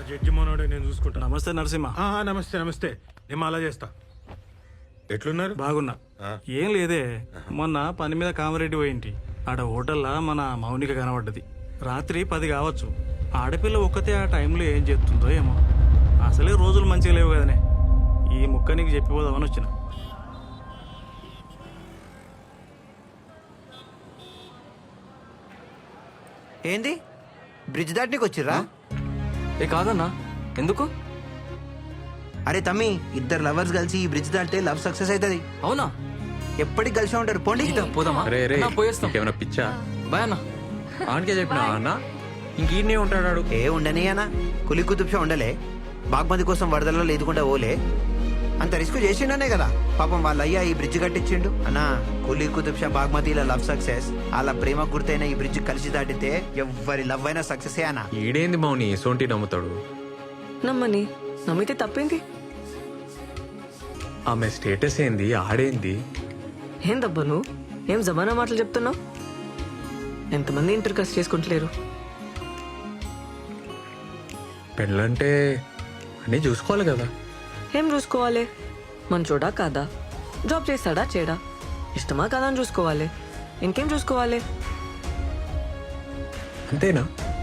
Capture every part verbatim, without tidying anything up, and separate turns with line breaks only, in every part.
Judge మనోడే, నేను చూసుకుంటా.
నమస్తే నరసింహ.
ఆ, నమస్తే నమస్తే. నేను అలా చేస్తా. ఎట్లున్నారు?
బాగున్నా. ఏం లేదే, మొన్న పని మీద కామరెడ్డి పోయింటి. ఆడ హోటల్లా మన మౌనిక కనబడ్డది. రాత్రి పది కావచ్చు. ఆడపిల్ల ఒక్కతే ఆ టైంలో ఏం చెప్తుందో ఏమో. అసలే రోజులు మంచిగా లేవు కదనే. ఈ ముక్క నీకు చెప్పిపోదామని వచ్చిన.
ఏంది బ్రిడ్జ్ దాటనీకి వచ్చిర్రా?
ఏ కాదన్నా, ఎందుకు?
అరే తమ్మి, ఇద్దరు లవర్స్ కలిసి ఈ బ్రిడ్జ్ దాటితే లవ్ సక్సెస్ అవుతుంది.
అవునా?
ఎప్పటికి కలిసి ఉంటారు. పోండి.
పోదామా? అన్నా, పోయేస్తాం.
ఏమైనా పిచ్చా?
బాయ్ అన్న.
ఆనకే చెప్పినా అన్న, ఇంకీడనే ఉంటాడు.
ఏ ఉండని అన్న, కులి కుతుబ్షా ఉండలే. బాగ్మతి కోసం వరదల్లో లేదుకుండా ఓలే. అంత రిస్క్ చేసిండనే కదా పాపం వాళ్ళ అయ్యా ఈ బ్రిడ్జ్ కట్టించిండు. అన్నా, కులి కుతుబ్షా బాగ్మతిల లవ్ సక్సెస్, వాళ్ళ ప్రేమ గుర్తైన ఈ బ్రిడ్జ్ కలిసి దాటితే ఎవ్వరి లవ్ అయినా సక్సెస్ అన్నా.
ఈడేంది మౌని సోంటి నమ్ముతాడు?
నమ్మని నమ్మితే తప్పేంది?
ఆమె స్టేటస్ ఏంది, ఆడేంది?
ఏం దబ్బా నువ్వు ఏం జమానా మాటలు చెప్తున్నావు? ఎంతమంది ఇంటర్ కాస్ట్ చేసుకుంటలేరు?
పెళ్ళంటే అన్నీ చూసుకోవాలి కదా.
ఏం చూసుకోవాలి? మంచోడా కాదా, జాబ్ చేస్తాడా చేయడా, ఇష్టమా కాదా అని చూసుకోవాలి. ఇంకేం చూసుకోవాలి?
అంతేనా?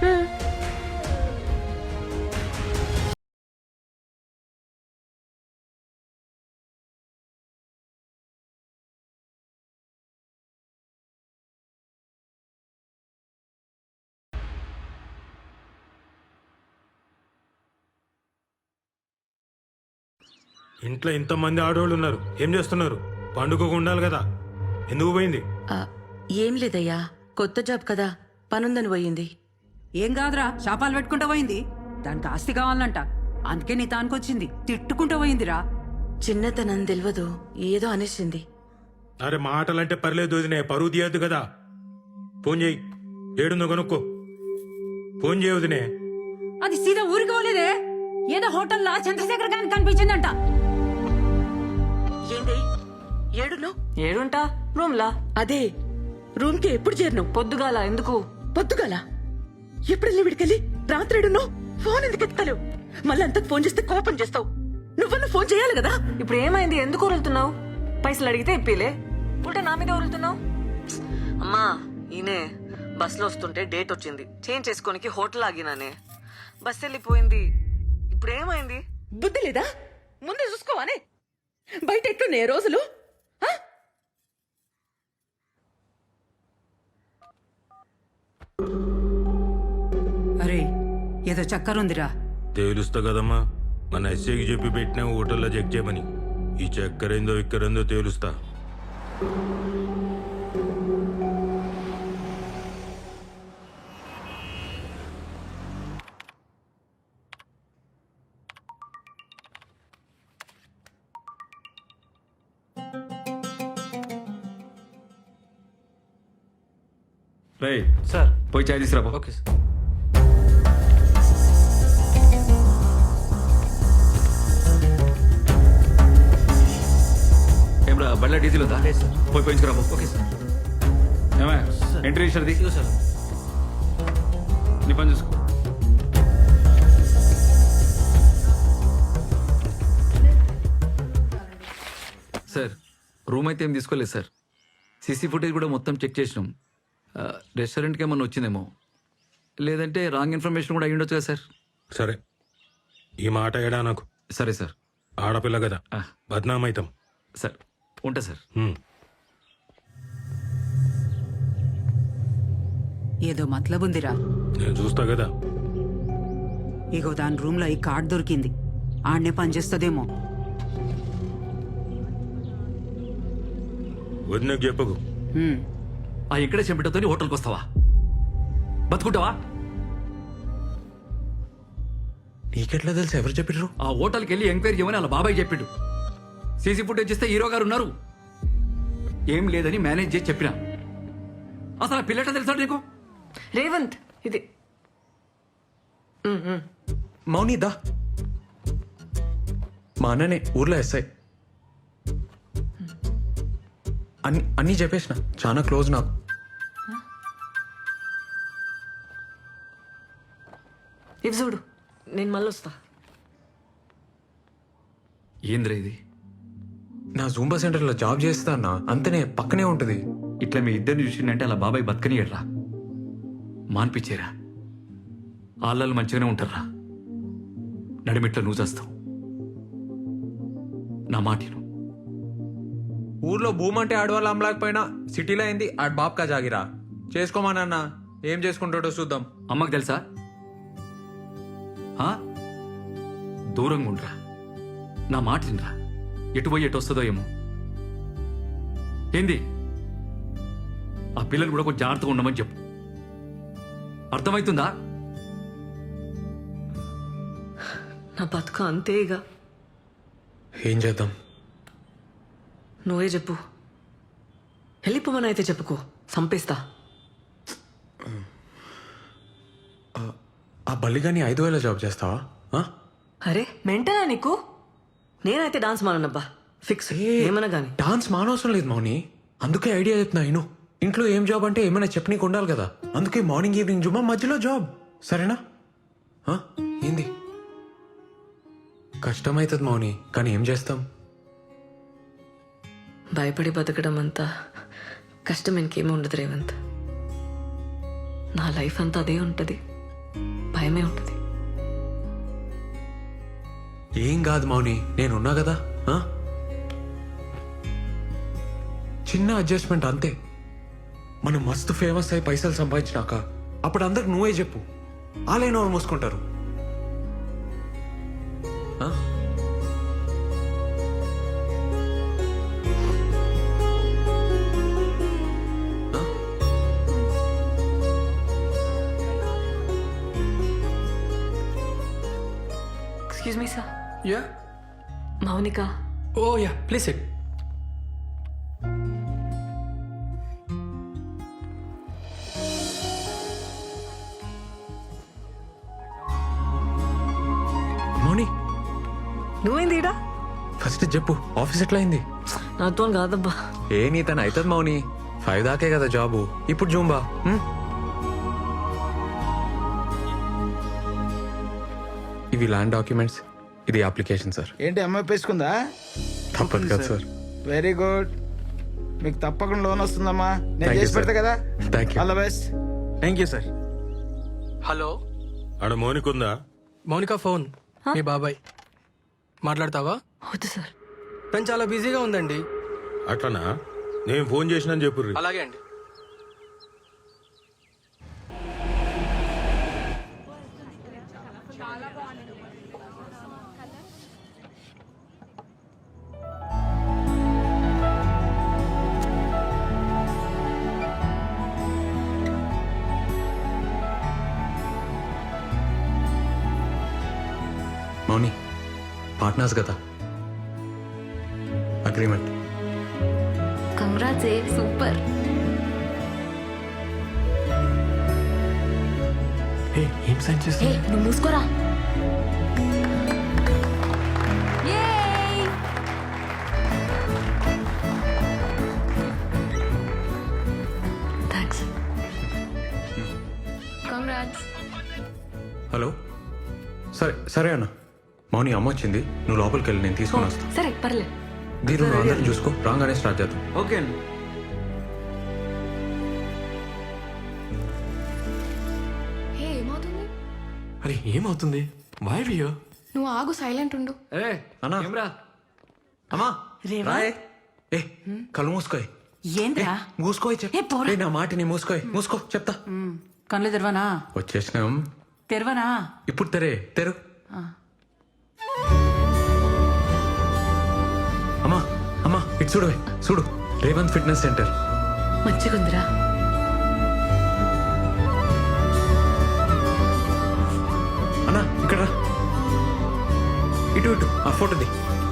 ఇంట్లో ఇంతమంది ఆడవాళ్ళు ఉన్నారు, ఏం చేస్తున్నారు? పండుగకు ఉండాలి కదా, ఎందుకు పోయింది?
ఆ, ఏం లేదయ్యా, కొత్త జాబ్ కదా, పనుందని పోయింది.
ఏం కాదురా, శాపాలు పెట్టుకుంటూ పోయింది. దానికి ఆస్తి కావాలంట, అందుకే నీ తానుకొచ్చింది. తిట్టుకుంటూ పోయిందిరా.
చిన్నతనం తెలియదు, ఏదో అనేసింది.
అరే మాటలంటే పర్లేదు వదినే, పరువు తీయద్దు కదా. ఫోన్ చేయి, ఏడుందో కనుక్కో. ఫోన్ చేయ వదినే.
అది సీదా ఊరికి పోలేదే, ఏదో హోటల్లో చంద్రశేఖర్ గారికి కనిపించిందంట.
ఏంది ఏడును?
ఏడుంటా రూమ్లా.
అదే రూమ్ కి ఎప్పుడు చేరినావు?
పొద్దుగాల. ఎందుకు
పొద్దుగాల? ఎప్పుడెళ్ళి విడికెళ్ళి రాత్రి ఏడున్నావు? ఫోన్ ఎందుకు ఎత్తలేవు? మళ్ళీ అంతకు ఫోన్ చేస్తే కోపం చేస్తావు. నువ్వన్నా ఫోన్ చేయాలి కదా.
ఇప్పుడు ఏమైంది? ఎందుకు ఉరులుతున్నావు? పైసలు అడిగితే ఇప్పిలే, ఉల్టా నా మీద ఉరులుతున్నావు. అమ్మా, ఈయనే బస్ లో వస్తుంటే డేట్ వచ్చింది, చేంజ్ చేసుకోనికి హోటల్ ఆగినానే. బస్ వెళ్ళిపోయింది. ఇప్పుడు ఏమైంది?
బుద్ధి లేదా? ముందే చూసుకోవానే. బయట ఎట్లున్నాయి రోజులు?
అరే ఏదో చక్కరుందిరా.
తేలుస్తా కదమ్మా, మన ఎస్ఐకి చెప్పి పెట్టినా హోటల్లో చెక్ చేయమని. ఈ చక్కరేందో ఇక్కరేందో తేలుస్తా.
రేయ్
సార్.
పోయి చాయ్ తీసుకురా.
Okay sir.
ఏమరా బళ్ళ డీజిల్ ఉందా? పోయి పోయించుకురా.
Okay sir.
ఏమే ఎంట్రీ ఇచ్చారు
సార్.
నీ పని చూసుకో.
సార్, రూమ్ అయితే ఏం తీసుకోలేదు సార్. సీసీ ఫుటేజ్ కూడా మొత్తం చెక్ చేసినాం. రెస్టారెంట్కి ఏమన్నా వచ్చిందేమో, లేదంటే రాంగ్ ఇన్ఫర్మేషన్ కూడా అయ్యి ఉండొచ్చు కదా సార్.
సరే, ఈ మాట ఏడా నాకు.
సరే సార్.
ఆడపిల్ల కదా, బద్నామైతాం.
సార్ ఉంటా సార్.
ఏదో మతలబుందిరా.
నేను చూస్తా కదా.
ఇగో దాని రూమ్ లో ఈ కార్డ్ దొరికింది, ఆడనే పనిచేస్తుందేమో.
వదినకు చెప్పకు.
ఆ ఇక్కడే చెంపటతో హోటల్కి వస్తావా? బతుకుంటావా?
నీకెట్లా తెలుసు? ఎవరు చెప్పిర్రు?
ఆ హోటల్కి వెళ్ళి ఎంక్వైరీ చేయమని వాళ్ళ బాబాయ్ చెప్పిండు. సీసీ ఫుటేజ్ ఇస్తే హీరో గారు ఉన్నారు. ఏం లేదని మేనేజ్ చేసి చెప్పిన. అసలు ఆ పిల్లట తెలుసా నీకు?
రేవంత్, ఇది
మౌని దా. మా అన్ననే ఊర్లో ఎస్ఐ. అన్ని అన్నీ చెప్పేసిన, చాలా క్లోజ్ నాకు.
ఇవి చూడు, నేను మళ్ళీ వస్తా.
ఏంద్రా ఇది?
నా జూంబా సెంటర్లో జాబ్ చేస్తా అన్న, అంతనే పక్కనే ఉంటుంది.
ఇట్లా మీ ఇద్దరిని చూసిందంటే అలా బాబాయ్ బతకనియడ్రా, మాన్పించేరా. ఆళ్ళలు మంచిగానే ఉంటారా, నడిమిట్లో నువ్వు చేస్తావు. నా మాటిను.
ఊర్లో భూమి అంటే ఆడవాళ్ళు అమ్మలేకపోయినా సిటీలో అయింది ఆడ బాబ్కా జాగిరా. చేసుకోమానన్న, ఏం చేసుకుంటాడో చూద్దాం.
అమ్మకు తెలుసా? ఆ? దూరంగా ఉండరా, నా మాట వినరా. ఎటు పోయి ఎటు వస్తుందో ఏమో. ఏంది? ఆ పిల్లలు కూడా కొంచెం జాగ్రత్తగా ఉండమని చెప్పు. అర్థమవుతుందా?
నా బతుక అంతే ఇక.
ఏం చేద్దాం?
నువ్వే చెప్పు. వెళ్ళిపోమని అయితే చెప్పుకో, చంపేస్తా.
ఆ బల్లిగాని ఐదు వేల జాబ్ చేస్తావా? ఆ?
అరే మెంటనా నీకు? నేనైతే డాన్స్ మానబ్బా, ఫిక్స్. ఏమన్నా గానీ
డాన్స్ మానవసరం లేదు మౌని, అందుకే ఐడియా చెప్తున్నా. ఇను ఇంట్లో ఏం జాబ్ అంటే ఏమైనా చెప్పనీకి ఉండాలి కదా, అందుకే మార్నింగ్ ఈవినింగ్ జుమ్మా, మధ్యలో జాబ్. సరేనా? ఆ? ఏంది? కష్టమవుతుంది మౌని, కానీ ఏం చేస్తాం?
భయపడి బతకడం అంతా కష్టం ఇంకేమీ ఉండదు రేవంత్. నా లైఫ్ అంతా అదే ఉంటది, భయమే ఉంటది.
ఏం కాదు మౌని, నేనున్నా కదా. ఆ? చిన్న అడ్జస్ట్మెంట్ అంతే. మనం మస్తు ఫేమస్ అయి పైసలు సంపాదించినాక అప్పుడు అందరికి నువ్వే చెప్పు, ఆలైన వాళ్ళు మూసుకుంటారు. ఆ?
Excuse me sir.
Yeah.
Mounika.
Oh yeah, please sit.
Mouni
నువ్వేంది ఈడ?
ఫస్ట్ చెప్పు, ఆఫీస్ ఎట్లా అయింది?
నాతో కాదబ్బా.
ఏ నీ తను అవుతుంది మౌని, ఫైవ్ దాకే కదా జాబు. ఇప్పుడు జూంబా. ఉమ్? ఇవి ల్యాండ్ డాక్యుమెంట్స్, ఇది అప్లికేషన్ సార్.
ఏంటి అమ్మాయి పేసుకుందా?
తప్పదు కదా సార్.
వెరీ గుడ్, మీకు తప్పకుండా లోన్ వస్తుందమ్మా. నేను
Thank you,
చేసి
sir.
పెడతా కదా.
Thank you.
All the best.
Thank you sir.
Hello,
ఆడ మౌనికుందా?
మౌనిక ఫోన్. మీ బాబాయ్ మాట్లాడతావా?
వద్దు సార్.
తను చాలా బిజీగా ఉందండి.
అట్లనా? నేను ఫోన్ చేసినా చెప్పుర్రి.
అలాగే అండి.
మౌని పార్ట్నర్స్ కదా, అగ్రిమెంట్.
Congrats, super.
ఏం సైన్
హే,
చేస్తా?
నువ్వు మూసుకోరా.
థ్యాంక్స్.
కంగ్రాట్స్.
హలో, సరే సరే అన్న. మౌని అమ్మ వచ్చింది, నువ్వు లోపలికి వెళ్ళి నేను తీసుకొని వస్తాను.
సరే పర్లేదు.
దీని నువ్వు అందరిని చూసుకో, రాగానే స్టార్ట్ చేద్దాం.
ఓకే అండి.
హే, ఏమవుతుంది?
అరే ఏమవుతుంది? వై వియో?
నువ్వు ఆగు, సైలెంట్ ఉండు.
ఏ
అన్నా.
ఏమ్రా?
అమ్మా
రేవా?
రాయే. ఏ కళ్ళు మూసుకోయ్.
ఏంద్రా?
మూసుకోయ్
ఏ, పోరా.
చెప్పు. నా మాటిని మూసుకోయ్, మూసుకో చెప్తా.
ఉమ్, కళ్ళు తెరవనా?
వచ్చేసినాం.
తెరవనా?
ఇప్పుడు తెరే, తెరు. అమ్మా అమ్మా ఇటు చూడు, చూడు, రేవంత్ ఫిట్నెస్ సెంటర్.
మంచిగుందిరా.
అన్నా ఇక్కడ రా. ఇటు ఇటు ఆ ఫోటోది.